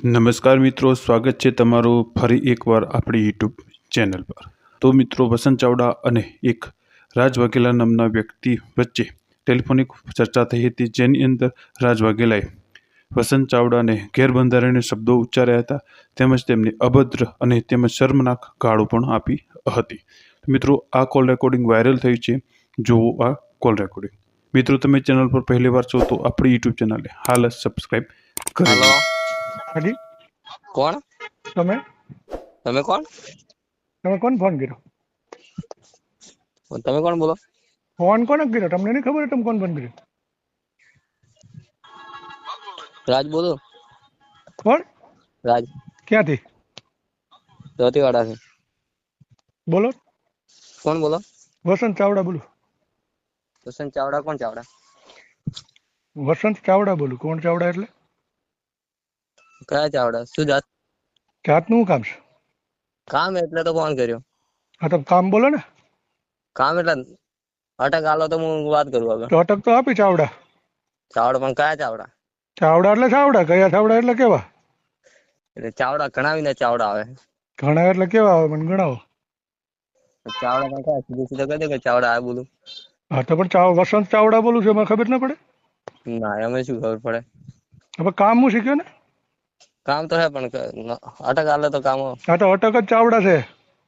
નમસ્કાર મિત્રો, સ્વાગત છે તમારું ફરી એકવાર આપણી યુટ્યુબ ચેનલ પર। તો મિત્રો, વસંત ચાવડા અને એક રાજ વાઘેલા નામના વ્યક્તિ વચ્ચે ટેલિફોનિક ચર્ચા થઈ હતી, જેની અંદર રાજ વાઘેલાએ વસંત ચાવડાને ગેરબંધારણીય શબ્દો ઉચ્ચાર્યા હતા, તેમજ તેમને અભદ્ર અને તેમજ શર્મનાક ગાળો પણ આપી હતી। મિત્રો, આ કોલ રેકોર્ડિંગ વાયરલ થઈ છે, જુઓ આ કોલ રેકોર્ડિંગ। મિત્રો, તમે ચેનલ પર પહેલી વાર છો તો આપણી યુટ્યુબ ચેનલને હાલ જ સબસ્ક્રાઇબ કરી લો। હાજી, કોણ તમે તમે કોણ તમે કોણ ફોન કર્યો? તમે કોણ બોલો? ફોન કોને કર્યો? તમને નહીં ખબર? તમે કોણ ફોન કર્યો? રાજ બોલો। કોણ? રાજ ક્યાંથી ધોતીવાડા થી। બોલો? કોણ બોલો? વસંત ચાવડા બોલું। વસંત ચાવડા? કોણ ચાવડા? વસંત ચાવડા બોલું। કોણ ચાવડા એટલે? કયા ચાવડા? શું જાત? જાતનું કામ છે? કામ એટલે તો ફોન કર્યો। હા, તો કામ બોલો ને। કામ એટલે અટક આલો તો હું વાત કરું આગળ। તો અટક તો આપી ચાવડા। ચાવડા પણ કયા ચાવડા? ચાવડા એટલે ચાવડા, કયા ચાવડા એટલે કેવા? એટલે ચાવડા ગણાવીને ચાવડા આવે। ઘણા એટલે કેવા આવે? મને ગણાવો। ચાવડા પણ કયા? સીધું સીધું કહી દે કે ચાવડા આ બોલું। હા, તો પણ વસંત ચાવડા બોલું છું, એમાં ખબર ના પડે? ના, એમ શું ખબર પડે? હવે કામ હું શીખ્યો ને? કામ તો હે પણ અટક આલે તો કામ હા, તો અટક જ ચાવડા છે।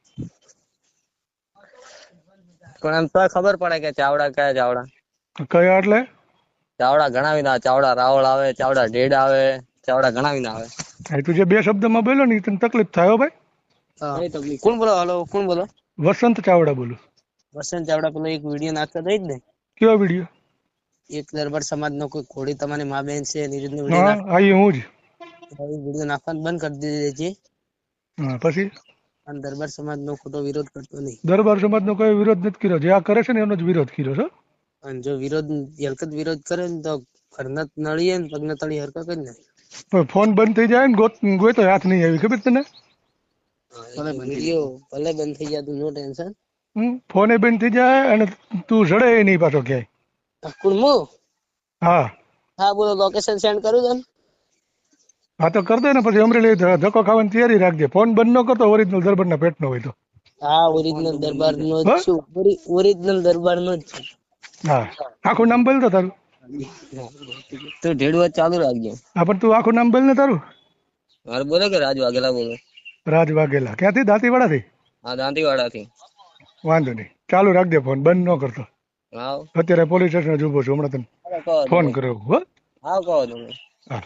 પણ એમ તો ખબર પડે કે ચાવડા કયા ચાવડા? કયા એટલે? ચાવડા ગણાવીને આવે। ચાવડા રાવળ આવે, ચાવડા ઢેડ આવે, ચાવડા ગણાવીને આવે। હા, તું જે બે શબ્દમાં બોલ્યો ને, તને તકલીફ થાય હો ભાઈ। કોણ બોલો? હલો, કોણ બોલો? વસંત ચાવડા બોલું। વસંત ચાવડા પેલો એક વિડીયો નાખતો હતો જ ને? કેવો વિડીયો? એક દરબાર સમાજ નો કોઈ ઘોડી તમારી મા બેન છે એની રીતનો હા, વિડીયો હું જ। વિડીયો નાખવાનું બંધ કરી દીધો છે હા, પછી અને દરબાર સમાજ નો ખોટો વિરોધ કરતો નહીં। દરબાર સમાજ નો કોઈ વિરોધ નથી કર્યો। જે આ કરે છે ને એનો જ વિરોધ કર્યો છે। અને જો વિરોધ હરકત વિરોધ કરે ને તો ઘરના નળીએ ને પગના તળી હરકત કરી ને પણ ફોન બંધ થઈ જાય ને ગોતો હાથ નહીં આવી, ખબર તને? વિડીયો ભલે બંધ થઈ જાય, તું નો ટેન્શન। ફોને બંધ થઈ જાય અને તું જડે નહીં પાછો ક્યાંય। કોણ મો? હા હા, બોલો। લોકેશન સેન્ડ કરું તને? હા, તો કર દે ને। પછી અમરેલી ધક્કો ખાવાની તૈયારી રાખજે। ફોન બંધ ન કરતો ઓરિજિનલ દરબારના પેટનો હોય તો। હા, ઓરિજિનલ દરબાર નો જ છું। ઓરિજિનલ દરબાર નો જ છું। હા, આખું નામ બોલ તો તારું। તો ઢેડવા ચાલુ રાખજો। હા, પણ તું આખું નામ બોલ ને તારું। મારે બોલો કે રાજ વાઘેલા બોલો। રાજ વાઘેલા ક્યાંથી? દાંતીવાડાથી? હા, દાંતીવાડા થી। વાંધો નહીં, ચાલુ રાખજે ફોન, બંધ ન કરતો। હા, અત્યારે પોલીસ સ્ટેશન જ ઉભો છું, હમણાં તને કહો ફોન તમે। કર્યો હો। હા, કહો તમે। હા,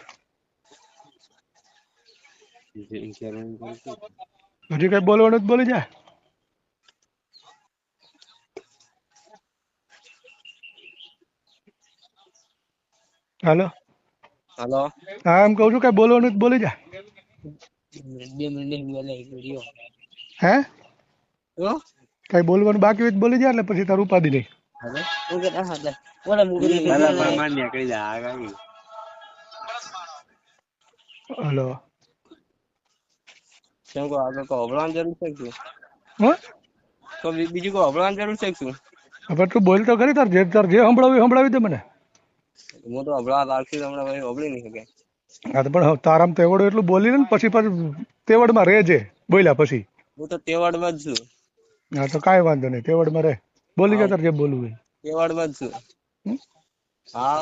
હજી કઈ બોલવાનું જ બોલી જા। હાલો, હાલો, હા, એમ કહું છું કઈ બોલવાનું જ બોલી જા। 2 મિનિટ બોલે વિડિયો। હે, હો કઈ બોલવાનું બાકી હોય તો બોલી જા, એટલે પછી તારું ઉપાધિ નહીં। હવે હું કે હા લે બોલે મુગરી પેલા પરમાન નીકળી જા આગળ। હલો, કેમ કો આગળ કો હબળવાની જરૂર છે કે હા, તો બીજું કો હબળવાની જરૂર છે કે શું? હવે તું બોલ તો ખરી। તાર જે સંભળાવી સંભળાવી દે મને। હું તો હબળવા લાગતી હમણાં ભાઈ હબળી નહીં શકે। હા, તો પણ તારામ તેવડ એટલું બોલી ને પછી પાછું તેવડમાં રહેજે બોલ્યા પછી। હું તો તેવાડમાં જ છું। હા, તો કાંઈ વાંધો નહીં, તેવડમાં રહે, બોલી હા, જા તાર જે બોલવું હોય। તેવાડમાં જ છું। હા,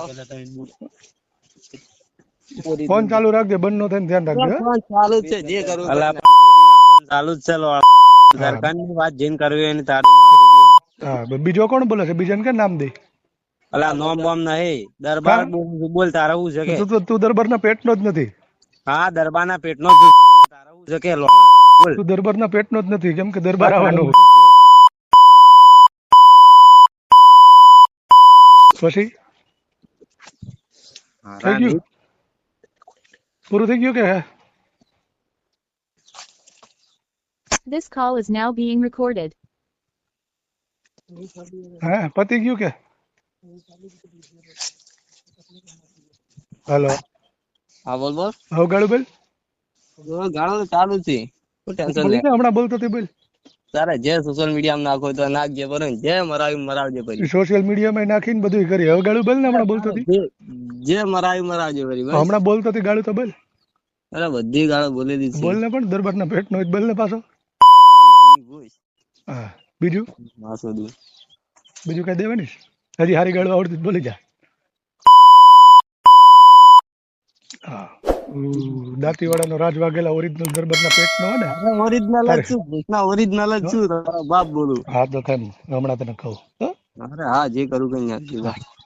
ફોન ચાલુ રાખજે, બંધ નો થાય ને ધ્યાન રાખજે। ફોન ચાલુ જ છે, જે કરવું અલા ફોન ચાલુ જ છે લો। દરકારની વાત જેન કરવી એની તારી હા, બીજો કોણ બોલે છે? બીજાને કે નામ દે? અલા નોમ બોમ નહીં, દરબાર બોલ તારે હું છે કે? તું દરબારના પેટનો જ નથી। હા, દરબારના પેટનો જ તારે હું છે કે લો બોલ। તું દરબારના પેટનો જ નથી, કેમ કે દરબાર આવવાનું પછી થઈ ગયું, પૂરું થઈ ગયું કે હે? This call is now being recorded. હા, પતી ગયું કે? હાલો, હા, બોલ બોલ। હવે ગાળું બોલ। ગાળો તો ચાલુ છે, શું ટેન્શન લે? બોલી જા, હમણાં બોલતો તે બોલ। તારે જે સોશિયલ મીડિયામાં નાખો તો નાખજે, બરોબર? જે મરાવજે પછી। સોશિયલ મીડિયામાં નાખીને બધું કરી। હવે ગાળું બોલ ને, હમણાં બોલતો હતી। જે મરાવજે પછી બસ। હમણાં બોલતો હતી ગાળું તો બોલ। અરે બધી ગાળો બોલેલી છે. બોલ ને પણ દરબારના પેટ નો બોલ ને પાછો. તારી ભૂઈ. હા બીજું વાસુદી. બીજું કઈ દેવાની છે? હજી હારી ગાળો આવડતી બોલી જા. હા દાંતીવાડાનો રાજ વાઘેલા ઓરિજિનલ દરબારના પેટ નો ને. અરે ઓરિજિનલ જ છું, કૃષ્ણા ઓરિજિનલ જ છું, તારો બાપ બોલું. હા તો કેમ હમણાં તને કહું. અરે હા, જે કરું કઈ નાખી.